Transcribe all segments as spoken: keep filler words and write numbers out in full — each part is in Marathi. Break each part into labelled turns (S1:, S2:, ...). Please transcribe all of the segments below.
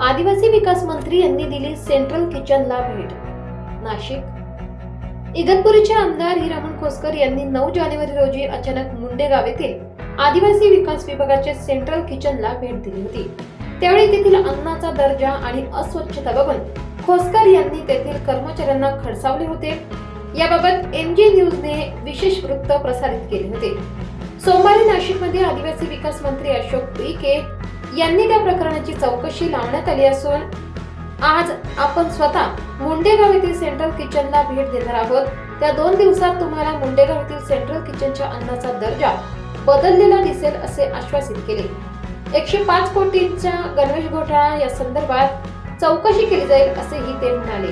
S1: आदिवासी विकास मंत्री यांनी दिली सेंट्रल किचनला भेट. नाशिक इगतपुरीचे आमदार हिरामण खोसकर यांनी नऊ जानेवारी रोजी अचानक मुंडेगाव येथील आदिवासी विकास विभागाच्या सेंट्रल किचनला भेट दिली होती. त्यावेळी तेथील अन्नाचा दर्जा आणि अस्वच्छता बघून खोसकर यांनी तेथील कर्मचाऱ्यांना खडसावले होते. याबाबत एमजी न्यूजने विशेष वृत्त प्रसारित केले होते. सोमवारी नाशिकमध्ये आदिवासी विकास मंत्री अशोक उईके यांनी त्या प्रकरणाची चौकशी लावण्यात आली असून आज आपण स्वतः मुंडेगाव येथील सेंट्रल किचनला भेट देणार आहोत. त्या दोन दिवसात तुम्हाला मुंडेगाव येथील सेंट्रल किचनच्या अन्नाचा दर्जा बदललेला दिसेल असे आश्वासित केले. एकशे पाच कोटींचा गणवेश घोटाळा या संदर्भात चौकशी केली जाईल असेही ते म्हणाले.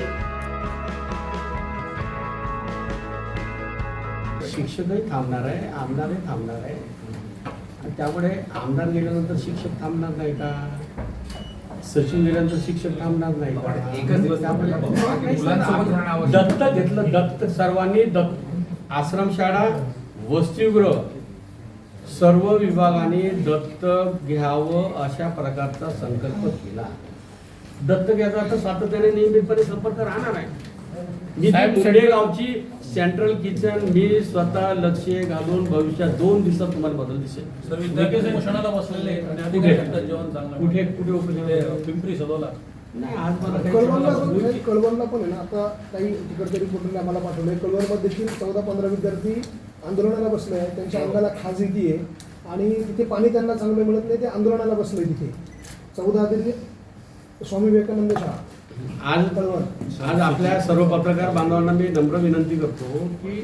S2: शिक्षकही थांबणार आहे, आमदारही थांबणार आहे. त्यामुळे आमदार गेल्यानंतर शिक्षक थांबणार नाही का, सचिव गेल्यानंतर शिक्षक थांबणार नाही का. दत्त घेतलं, दत्त सर्वांनी दत्त आश्रमशाळा वसतिगृह सर्व विभागाने दत्तक घ्यावं अशा प्रकारचा संकल्प केला. दत्तक घ्यायचा अर्थ सातत्याने नियमितपणे संपर्क राहणार आहे. मी मुंडेगावची सेंट्रल किचन मी स्वतः लक्ष घालून भविष्यात दोन दिवसात तुम्हाला बदल दिसेल. कुठे कुठे
S3: पिंपरी सदोला
S4: नाही, आज मला कळवणला पण आहे ना. आता काही तिकडच्या रिपोर्टरने आम्हाला पाठवलंय. कळवणमध्ये देखील चौदा पंधरा विद्यार्थी आंदोलनाला बसले आहेत. त्यांच्या अंगाला खाज येते आहे आणि तिथे पाणी त्यांना चांगलं मिळत नाही. ते आंदोलनाला बसले तिथे चौदा ते स्वामी विवेकानंद शाळा.
S2: आज आज आपल्या सर्व पत्रकार बांधवांना मी नम्र विनंती करतो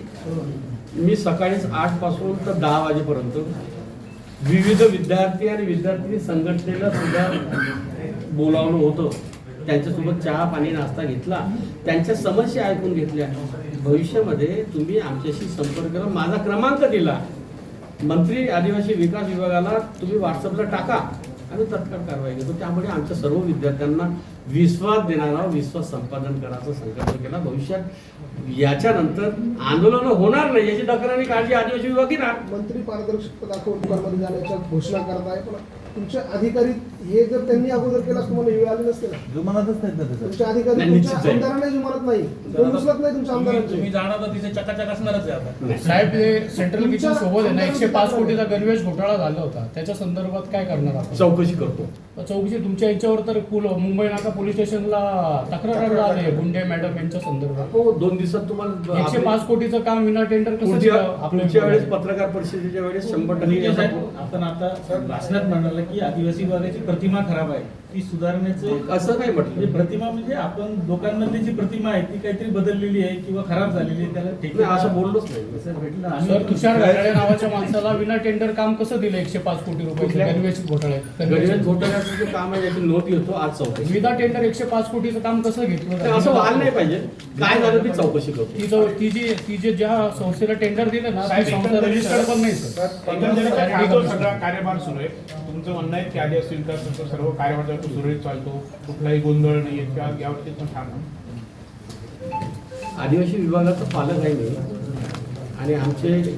S2: की मी सकाळीच आठ पासून तर दहा वाजेपर्यंत विविध विद्यार्थी आणि विद्यार्थी संघटनेला सुद्धा बोलावलं होतं. त्यांच्यासोबत चहा पाणी नाश्ता घेतला, त्यांच्या समस्या ऐकून घेतल्या. भविष्यामध्ये तुम्ही आमच्याशी संपर्क करा, माझा क्रमांक दिला, मंत्री आदिवासी विकास विभागाला तुम्ही व्हॉट्सअपला टाका आणि तत्काळ कारवाई घेतो. त्यामुळे आमच्या सर्व विद्यार्थ्यांना विश्वास देणारा विश्वास संपादन करायचा संकल्प केला. भविष्यात याच्यानंतर आंदोलन होणार नाही याची दखल आणि काळजी आदिवासी विभाग घेणार.
S4: मंत्री पारदर्शकता दाखवून दुकानमध्ये जाण्याच्या घोषणा करत आहे, पण तुमचे अधिकारी हे जर त्यांनी अगोदर केलास तुम्हाला वेळ आली नसते ना.
S3: जुमानतच नाही ना.
S4: तुमचे अधिकारी तुमच्या आमदारांना जुमानत नाही, कोण उचलत नाही तुमच्या आमदारांचे.
S3: तुम्ही जाणार तर तिथे चकाचक असणारच आहे आता.
S5: साहेब, हे सेंट्रल किचन सोबत आहे ना, एकशे पाच कोटीचा गणवेश घोटाळा झाला होता. त्याच्या संदर्भात काय करणार आपण?
S2: चौकशी करतो.
S5: चौकशी तुमच्या याच्यावर तर पुल मुंबई नाका पोलीस स्टेशनला तक्रार आली गुंडे मॅडम यांच्या संदर्भात.
S2: हो, दोन दिवसात तुम्हाला
S5: एकशे पाच कोटीचं काम विना टेंडर कसं
S2: पुढच्या वेळेस पत्रकार परिषदेच्या वेळेस शंभर टक्के
S3: आपण आता भाषणात म्हणाला की आदिवासी विभागाची प्रतिमा खराब आहे, ती सुधारण्याचे
S2: असं नाही म्हटलं.
S3: प्रतिमा म्हणजे आपण लोकांमधली जी प्रतिमा आहे ती काहीतरी बदललेली आहे किंवा खराब झालेली आहे, त्याला ठीक
S2: नाही असं बोललोच नाही.
S3: सर भेटलं
S5: सर, तुषार घाटाळे नावाच्या माणसाला विना टेंडर काम कसं दिलं एकशे पाच कोटी रुपये गणवेश घोटाळे?
S2: गणवेश घोटाळ्याचं जे काम आहे याची नोंद घेतो आज चौकशी.
S5: विना टेंडर एकशे पाच कोटीचं काम कसं घेतलं?
S2: असं व्हायला नाही पाहिजे. काय झालं ती चौकशी करतो.
S5: ती जो ती जी ती जे ज्या संस्थेला टेंडर दिलं ना ती संस्था रजिस्टर्ड पण नाही सर.
S6: सगळा कार्यभार सुरू आहे. तुमचं म्हणणं आहे की आदिवासी विकासाचा सर्व कार्यभार सुरळीत चालतो, कुठलाही गोंधळ नाही किंवा यावरती पण ठाम आहे.
S2: आदिवासी विभागाचा पालक आहे मी आणि आमचे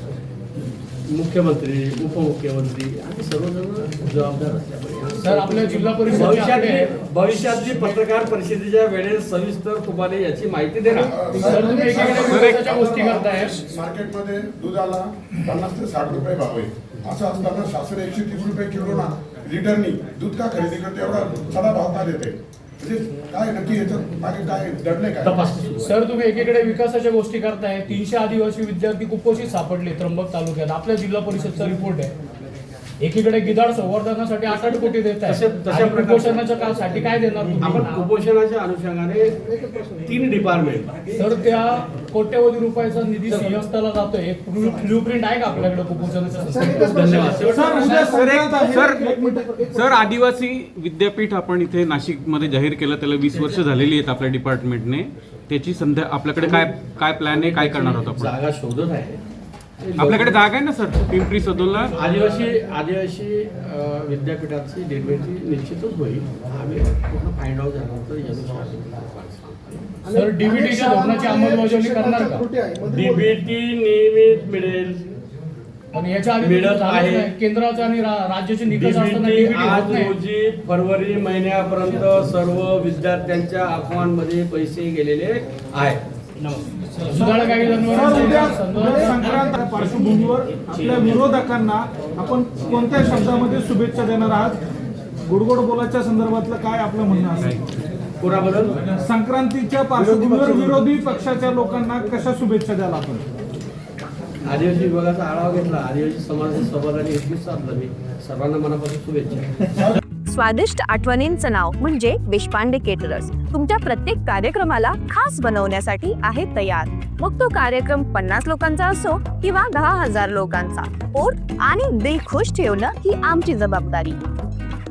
S2: मुख्यमंत्री उपमुख्यमंत्री आणि सर्वजण जबाबदार असल्यामुळे
S5: सर, आपल्या जिल्हा परिषद
S2: भविष्यात भविष्यातली पत्रकार परिषदेच्या वेळेस सविस्तर तुम्हाला याची माहिती देणार.
S5: सर, तुम्ही एकीकडे गोष्टी करताय.
S7: मार्केटमध्ये दुधाला पन्नास ते साठ रुपये भाव आहे. असं असताना शासन एकशे तीस रुपये किलो ना लिटरनी दूध का खरेदी करते, एवढा चढा भाव का देते? म्हणजे काय नक्की याच्यात मागे काय दडले काय?
S5: सर, तुम्ही एकीकडे विकासाच्या गोष्टी करताय. तीनशे आदिवासी विद्यार्थी कुपोषित सापडले त्र्यंबक तालुक्यात. आपल्या जिल्हा परिषदचा रिपोर्ट आहे. एकीकडे गिधाड संवर्धनासाठी आठ आठ कोटी देत आहे. कुपोषणाच्या कामासाठी काय देणार तुम्ही?
S2: आपण कुपोषणाच्या अनुषंगाने तीन डिपार्टमेंट
S5: सर, त्या कोट्यवधी रुपयाचा निधी सिंहस्थाला जातोय. एक ब्लू प्रिंट आहे का आपल्याकडे कुपोषणाच्या?
S2: धन्यवाद.
S8: सर, सर आदिवासी विद्यापीठ आपण इथे नाशिकमध्ये जाहीर केलं, त्याला वीस वर्ष झालेली आहेत आपल्या डिपार्टमेंटने. त्याची संध्या आपल्याकडे काय काय प्लॅन आहे, काय करणार आहोत आपण?
S2: जागा शोधत आहे.
S8: आपल्याकडे जागा आहे ना सर पिंपरी सदोला?
S2: आदिवासी आदिवासी विद्यापीठाची निर्मिती निश्चितच होईल. आम्ही पूर्ण फाइंड आउट झाल्यानंतर
S5: सर, डीबीटीच्या धोरणाची अंमलबजावणी करणार का?
S2: डीबीटी नियमित मिळेल.
S5: पण याच्या आधी
S2: मिळत
S5: झालं
S2: आहे.
S5: नाही. केंद्राचा आणि रा- राज्याचे निकष असताना
S2: डीबीटी
S5: डीबीटी होत
S2: आज
S5: नाही.
S2: रोजी फरवरी महिन्यापर्यंत सर्व विद्यार्थ्यांच्या अकाउंटमध्ये पैसे गेलेले आहेत.
S5: सुधारणा काही
S3: सर, उद्या उद्या
S5: जनावरांच्या
S3: संक्रांत पार्श्वभूमीवर आपल्या विरोधकांना आपण कोणत्या शब्दामध्ये शुभेच्छा देणार आहात? गुडगोड बोलाच्या संदर्भातलं काय आपलं म्हणणं असेल?
S2: कोणाबद्दल?
S3: संक्रांतीच्या पार्श्वभूमीवर विरोधी पक्षाच्या लोकांना कशा शुभेच्छा द्याल आपण?
S2: आदिवासी विभागाचा आढावा घेतला, आदिवासी समाजाच्या सहभागाने एकवीस साधलं मी सर्वांना मनापासून शुभेच्छा.
S9: स्वादिष्ट आठवणींचं नाव म्हणजे देशपांडे केटरर्स तुमच्या प्रत्येक कार्यक्रमाला खास बनवण्यासाठी आहे तयार. मग तो कार्यक्रम पन्नास लोकांचा असो किंवा दहा हजार लोकांचा, पोट आणि दिल खुश ठेवणं ही आमची जबाबदारी.